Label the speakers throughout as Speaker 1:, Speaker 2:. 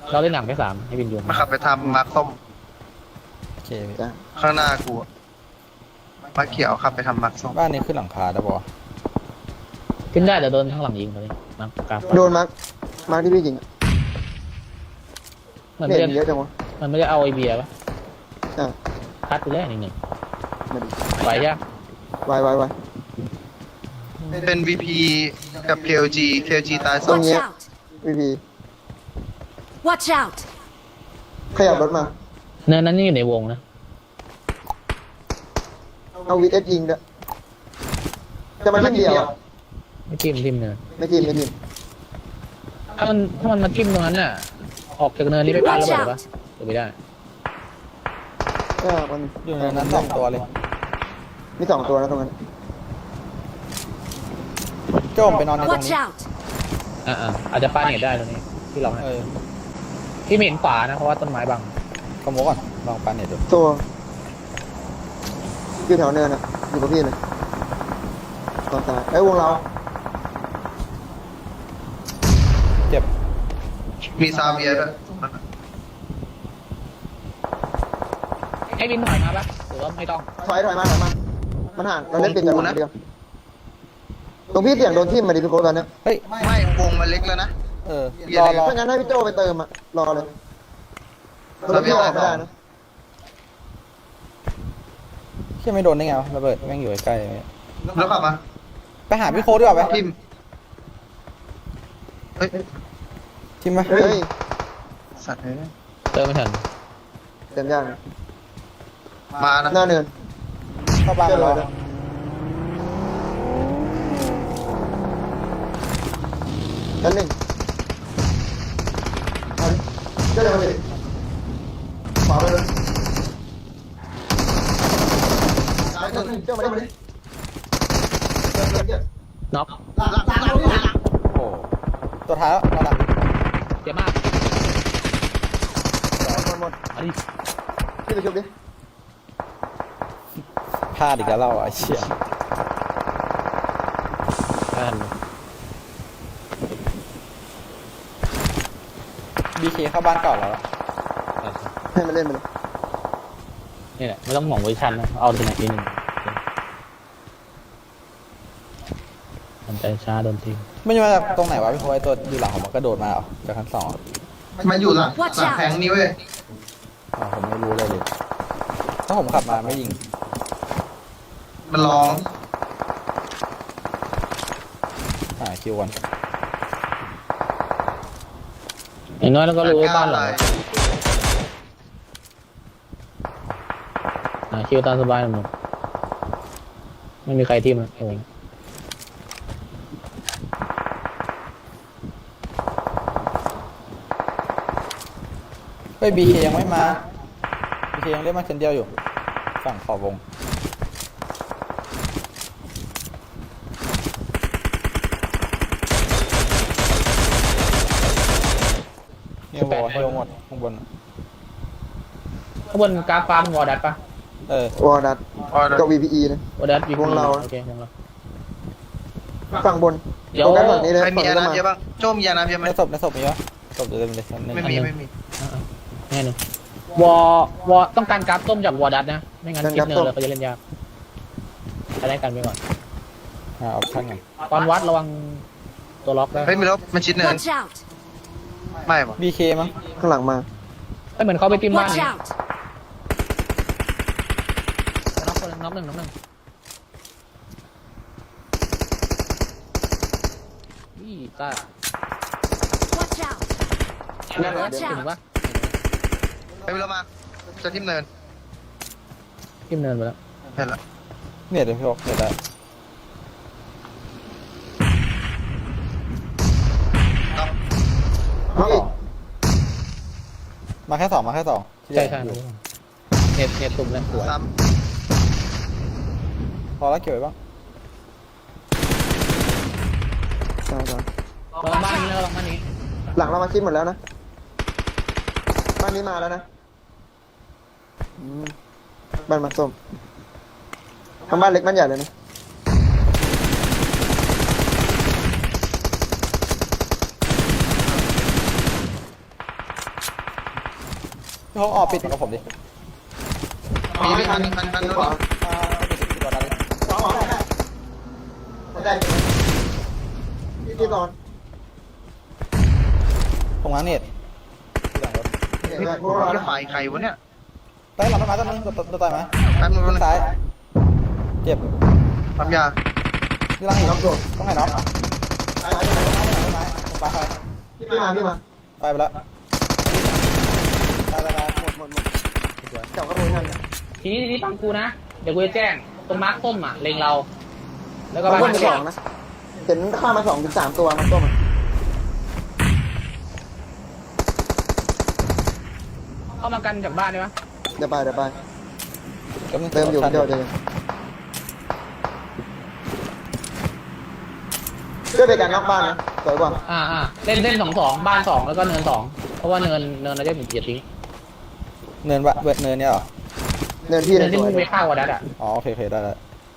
Speaker 1: เราเล่นหนังแค่สามให้บินอยู่
Speaker 2: มาขับไปทำมาร์คส้ม
Speaker 3: โอเค
Speaker 4: จ้ะ
Speaker 2: ข้างหน้ากูมาร์คเขียวขับไปทำมาร์คส้ม
Speaker 3: บ้านนี้ขึ้นหลังคาได้ปะวะ
Speaker 1: ขึ้นได้แต่โดนข้างหลังยิงเขาเลยมังกราฟ
Speaker 4: โดนมาร์คที่พี่ยิงอะ
Speaker 1: มัน
Speaker 4: เน็
Speaker 1: ไม่
Speaker 4: ต
Speaker 1: ได้
Speaker 4: เยอะจังวะ
Speaker 1: มันไม่ได้เอาไอเบียร์ปะ
Speaker 4: อ่ะ
Speaker 1: คัดไปแล้วหนึ่ง
Speaker 4: มาดิ
Speaker 1: ไหวยัง
Speaker 4: ไว
Speaker 2: เป็น VP กับ KLG ตายสอง
Speaker 4: Watch out พี่พี
Speaker 5: Watch out!
Speaker 4: ขยับรถมา
Speaker 1: เนินนั้นนี่อยู่ในวงนะ
Speaker 4: เอาวิทเอสยิงด้วยจะมาทีมเดียวอะ
Speaker 1: ไม่ทิมเนิน
Speaker 4: ไม่ทีม
Speaker 1: ถ้ามันมาทิมตรงนั้นน่ะออกจากเนินนี้ไปปาระเบิดปะหรือไม่ได้
Speaker 4: ก็มัน
Speaker 3: อยู่ในนั้น2 ตัวเลย
Speaker 4: มี2 ตัวนะตรงนั้น
Speaker 3: โจ้มไปนอนในตรง
Speaker 5: Watch
Speaker 3: นี้
Speaker 5: out!
Speaker 1: อาจจะปาเน็ตได้ตรงนี้ที่เราให้ ที่ไม่เห็นขวานะเพราะว่าต้นไม้บัง
Speaker 3: ขโมยก่อนลองปันเน็ตดู
Speaker 4: ตัวอยู่แถวเนินอะอยู่กับพี่เลยตอนตายวงเรา
Speaker 3: เจ็บ
Speaker 2: มีซาเวียด้วย
Speaker 1: ให้บินถอยมาปะหรือว่าไม่ต้อง
Speaker 4: ถอยมามันห่างเราเล่นปิดกันเดียวตรงพี่เสียงโดนทิ่มมาดิพี่โค้ชตอนเนี้ย
Speaker 3: เฮ้ย
Speaker 2: ไม่วงมันเล็กแล้วนะ
Speaker 3: รอ
Speaker 4: ถ้างั้นให้พี่โจไปเติมอะรอเลยเราพี่ออกไม่ได้นะ
Speaker 3: เชื่อไม่โดนได้ไงวะระเบิดแม่งอยู่ใกล้ๆ
Speaker 2: แล้วขับมา
Speaker 3: ไปหาพี่โค้ดดีกว่าไหม
Speaker 2: ทิมเฮ้ย
Speaker 3: ทิมไหม
Speaker 4: เฮ้ย
Speaker 2: สัตว์เลย
Speaker 1: เติมไม่ทัน
Speaker 4: เต็มยากนะ
Speaker 2: มานะ
Speaker 4: หน้าเนิน
Speaker 3: เข้าบ้าน
Speaker 4: เจอ
Speaker 3: เรา
Speaker 4: เลยชั้น 1เอาดิเจอเลยขวาไปเลยซ้ายตัวนึงเจ้ามาดิเจอ
Speaker 1: น็อก
Speaker 4: หลัง
Speaker 3: โอ้ตัวท้ายแล้วเราดัก
Speaker 1: เจ็บมาก
Speaker 4: หมด
Speaker 1: อันนี้
Speaker 4: พี่ไปชุบดิ
Speaker 3: พลาดอีกแล้วเราไอ้เชี่ย
Speaker 1: ไม่ทัน
Speaker 3: BK เข้าบ้านเก่าแล้ว
Speaker 4: ให้มันเล่นไปเลย
Speaker 1: นี่แหละไม่ต้องห่วงเวอร์ชันนะเอาตัวไหนทีหนึ่งมันใจช้าโดนทิ้ง
Speaker 3: ไม่ใช่มาจากตรงไหนวะพี่โค้ดไอ้ตัวอยู่หลังผมมันกระโดดมาเหรอจากชั้น 2
Speaker 2: มันอยู่หลังแผงนี้เว้ย
Speaker 3: ผมไม่รู้เลยดิถ้าผมขับมาไม่ยิง
Speaker 2: มันร้อง
Speaker 3: หาคิวก่อน
Speaker 1: อย่างน้อยเราก็รู้ว่าบ้านหลังคิวตามสบายหนุ่มไม่มีใครที่มันโอ้
Speaker 3: เฮ้ย BK ยังไม่มา BK ยังเล่นมาคนเดียวอยู่ฝั่งขอบวงเฮลหมดข้างบน
Speaker 1: ข้างบนกราฟฟาร์มวอร์ดัตปะ
Speaker 4: วอร์ดัตกับ VPE นะ
Speaker 1: วอร์ดัตวี
Speaker 4: วงเรา
Speaker 1: โอเควงเรา
Speaker 4: ฝั่งบน
Speaker 1: เดี๋ยว
Speaker 4: โฟกัสฝั่งนี้เลย
Speaker 2: ใครมี
Speaker 4: ฝั่ง
Speaker 2: ยา
Speaker 4: นี้ก็
Speaker 2: น้ำเยอะ
Speaker 4: มา
Speaker 2: บ้างโจมยาน้ำเยอะไหม
Speaker 3: ในศพมีปะศพเดิมเลยชั้นหนึ่ง
Speaker 2: ไม่มี
Speaker 1: แน่นอนวอต้องการกราฟส้มจากวอร์ดัตนะ ไม่งั้นคิดเนินเลยเขาจะเล่นยากไปได้กันไปก่อน
Speaker 3: หาออปชั่นก่อน
Speaker 1: ตอนวัดระวังตัวล็อกได้
Speaker 2: เฮ้ยมีรถมันชิดเนิน
Speaker 5: Watch out!
Speaker 2: ไม่ปะ
Speaker 3: BK มั้ง
Speaker 4: ข้างหลังมา
Speaker 1: ไม่เหมือนเขาไปจิ้มบ้าน
Speaker 5: Watch
Speaker 1: นี่
Speaker 5: out!
Speaker 1: น็อกคนน็อกหนึ่งนี่ตา
Speaker 5: Watch out!
Speaker 1: เห็นปะ
Speaker 2: เฮ้ยมีรถมาจะทิมเนิน
Speaker 1: จิ้มเนินไปแล้ว
Speaker 2: เห็นละ
Speaker 3: เนี่ยเดี๋ยวพี่บอกเดี๋ยวได้
Speaker 4: เอาอีก
Speaker 3: มาแค่สองที่
Speaker 1: ใช่
Speaker 3: เหลืออยู่
Speaker 1: เน็ตตุ่มแล้วสวย
Speaker 2: ซ้
Speaker 3: พอแล้วเก็บไว้บ้าง
Speaker 4: ใช่
Speaker 1: ระวังบ้านนี้แล้วระวังบ้านนี้
Speaker 4: หลังเรามาคิดหมดแล้วนะบ้านนี้มาแล้วนะบ้านมาส้มทำบ้านเล็กบ้านใหญ่เลยนะ
Speaker 3: พี่โฮกออกปิดกับผมดิ
Speaker 2: มีพี่คันนู้น
Speaker 3: ปิดตัวนั้นดิ
Speaker 4: สองได้พี่ตอน
Speaker 3: ผมง้างเน็ต
Speaker 2: พี่จะฝ่ายใครวะเนี่ย
Speaker 3: ใต้หลังต้นไม้ต้นนึงตัวต่อยไหม
Speaker 2: แป๊บนึง
Speaker 3: ต้นซ้ายเจ็บ
Speaker 2: ปั๊มยา
Speaker 3: นี่ลังอีกต้องให้น้องต้นไม้ปลาไฟ
Speaker 4: พี่มา
Speaker 3: ไปแล้วไป
Speaker 4: หมดจับกระโดดนั่น
Speaker 1: ทีนี้ฟังกูนะ เดี๋ยวกูจะแจ้งตรงมาร์คส้มอ่ะเล็งเรา แล้วก็
Speaker 4: ก็
Speaker 1: บ้าน
Speaker 4: บ้าน
Speaker 1: มา
Speaker 4: สองนะเห็นฆ่ามา2 ถึง 3ตัวมันต้ม
Speaker 1: เข้ามากันจากบ้านได้ปะ
Speaker 4: เดี๋ยวไป
Speaker 3: เติ
Speaker 4: เติมอยู่เดี๋ยวช่วยไปกันนอกบ้านนะสวยกว่า
Speaker 1: เล่น2-2บ้าน2แล้วก็เนิน2เพราะว่าเนินเราจะอย่าทิ้ง
Speaker 3: เนินเนินเนี่ยเหรอ
Speaker 4: เนินพี่
Speaker 1: เนิ
Speaker 4: เลย
Speaker 1: นที่
Speaker 4: สว
Speaker 1: มึ
Speaker 4: ย
Speaker 1: งไปฆ่าวอดัสอ่ะ
Speaker 3: อ๋อโอเคได้แล้ว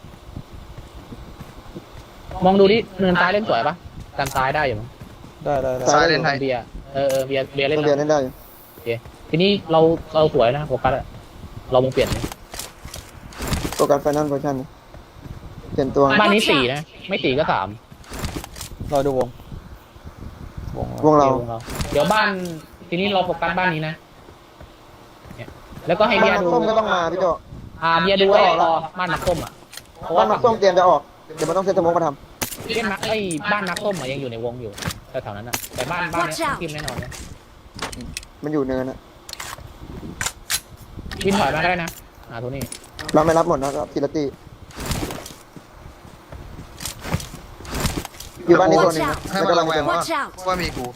Speaker 1: มองดูดิเนินซ้ายเล่นสวยปะกันซ้ายได้อยู่มั้ง
Speaker 3: ได้
Speaker 2: ซ้ายเล่นไทย
Speaker 1: เบียร์เบียร์เล่น
Speaker 4: เรียน
Speaker 1: แล้ว
Speaker 4: เล่นได้อยู่
Speaker 1: โอเคทีนี้เราสวยนะโฟกัสอะเรามงเปลี่ยน
Speaker 4: โฟกัสไฟนอลโพชั่นเปลี่ยนตัว
Speaker 1: บ้านนี้4นะไม่4ก็3
Speaker 3: รอดูวง
Speaker 4: วงเรา
Speaker 1: เดี๋ยวบ้านทีนี้เราโฟกัสบ้านนี้นะเนี่ยแล้วก็ให้
Speaker 4: บ้า
Speaker 1: เบี
Speaker 4: น
Speaker 1: ยร์
Speaker 4: นัก
Speaker 1: ดู
Speaker 4: ส้มก็ต้องมาพี่โจ
Speaker 1: เบียร์ดูไว้รอบ้านนักส้มอ่ะเพราะ
Speaker 4: บ้า
Speaker 1: ว่าน
Speaker 4: นักส้มเตรียมจะออกเดี๋ยวมันต้องเซตสโมกมาท
Speaker 1: เล่นนักบ้านนักส้มอะยังอยู่ในวงอยู่แถวๆนั้นอ่ะแต่บ้านเนี้ยทีมแน่นอนเนี่ย
Speaker 4: ำมันอยู่เนินอะ
Speaker 1: วินถอยมาก็ได้นะโทนี่
Speaker 4: เราไม่รับหมดนะครับทีละตีอยู่บ้านนี้ตัวหนึงนะ
Speaker 2: ให้
Speaker 4: ไม่
Speaker 2: มัน
Speaker 4: กำลั
Speaker 2: ระ
Speaker 4: ง
Speaker 2: แวง
Speaker 5: Watch out
Speaker 2: ว่ามีกู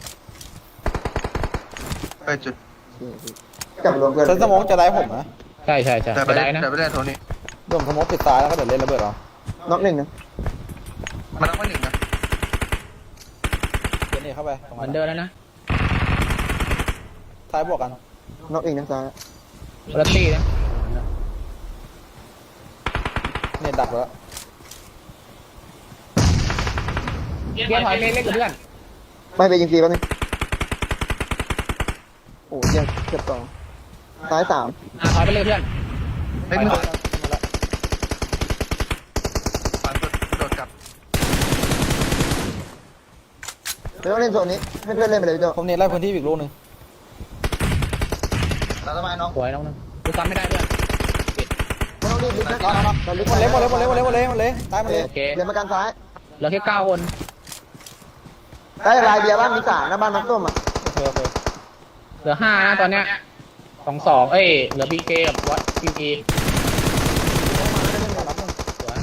Speaker 2: ไปจุด
Speaker 4: กลับรวมเพื่อน
Speaker 3: เซนสมองจะได้ผมนะ
Speaker 1: ใช่
Speaker 2: แต่ไป
Speaker 1: จะได้นะ
Speaker 2: แต่ไปได้โทนี่
Speaker 3: รวมสมองปิดซ้ายแล้วก็เดี๋ยวเล่นระเบิดเอา
Speaker 4: น็อกหนึ่งนะ
Speaker 2: มันต้องไม่หนึ่งนะ
Speaker 3: เดี๋ยวนี่เข้าไป
Speaker 1: เหมือนเดิมแล้วนะ
Speaker 3: ซ้ายบวกกัน
Speaker 4: น็อกอีกนะซ้าย
Speaker 1: รัตตี้นะ
Speaker 3: เน็ตดักแล้ว
Speaker 1: เบียร์ถอยเล่นกับเพื่อน
Speaker 4: ไม่ไปยิงฟรีแป๊บนึงโอ้ยยังเก็บ2ซ้าย3
Speaker 1: ถอยไปเลยเพื่อน
Speaker 2: เล่นฝันโดดกลับ
Speaker 4: เดี๋ยวต้องเล่นโซนนี้ให้เพื่อนเล่นไปเลยพี่โจ
Speaker 3: ผมเน็ตไล่พื้นที่อีกลูกหนึ่ง
Speaker 2: ตาสบายน้อง
Speaker 1: สวยน้องนึงกูซ้ำไม่ได้เพื่อน
Speaker 4: ไม่ต้องรีบนะเราลึก
Speaker 3: หมดเลยตายหมดเลย
Speaker 1: โอเค
Speaker 4: เล่นมากันซ้าย
Speaker 1: เหลือแค่9 คน
Speaker 4: ได้ลายเบียร์บ้านมี3นะบ้านนักส้มอ่ะ
Speaker 3: โอเค
Speaker 1: เหลือ5นะตอนเนี้ย2-2เหลือพีเคกับวัดพีเคสวย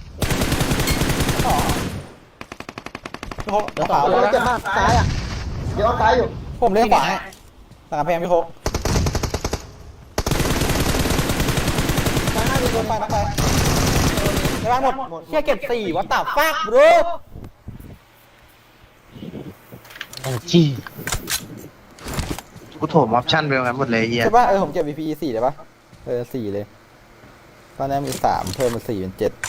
Speaker 3: พี่โฮก
Speaker 1: เหลือ
Speaker 3: ขวา
Speaker 1: 2
Speaker 4: เราเจ็บมากซ้ายอ่ะเดี๋ยวเอาซ้ายอยู่
Speaker 3: ผมเล่นขวาให้หลังกำแพงพี่โฮก
Speaker 4: ซ้ายหน้ามี
Speaker 3: โด
Speaker 4: ตัวน
Speaker 3: ไปนักไปในบ้านหมดเฮียเก็บ4วัดตาฟากบรู
Speaker 1: โอ้จี
Speaker 2: กูโถมออปชั่นไปงั้นหมดเลยเฮีย
Speaker 3: ใช่ป่ะผมเก็บ VPE 4ได้ป่ะ4เลยตอนนี้มี3เพิ่มเป็น4เป็น7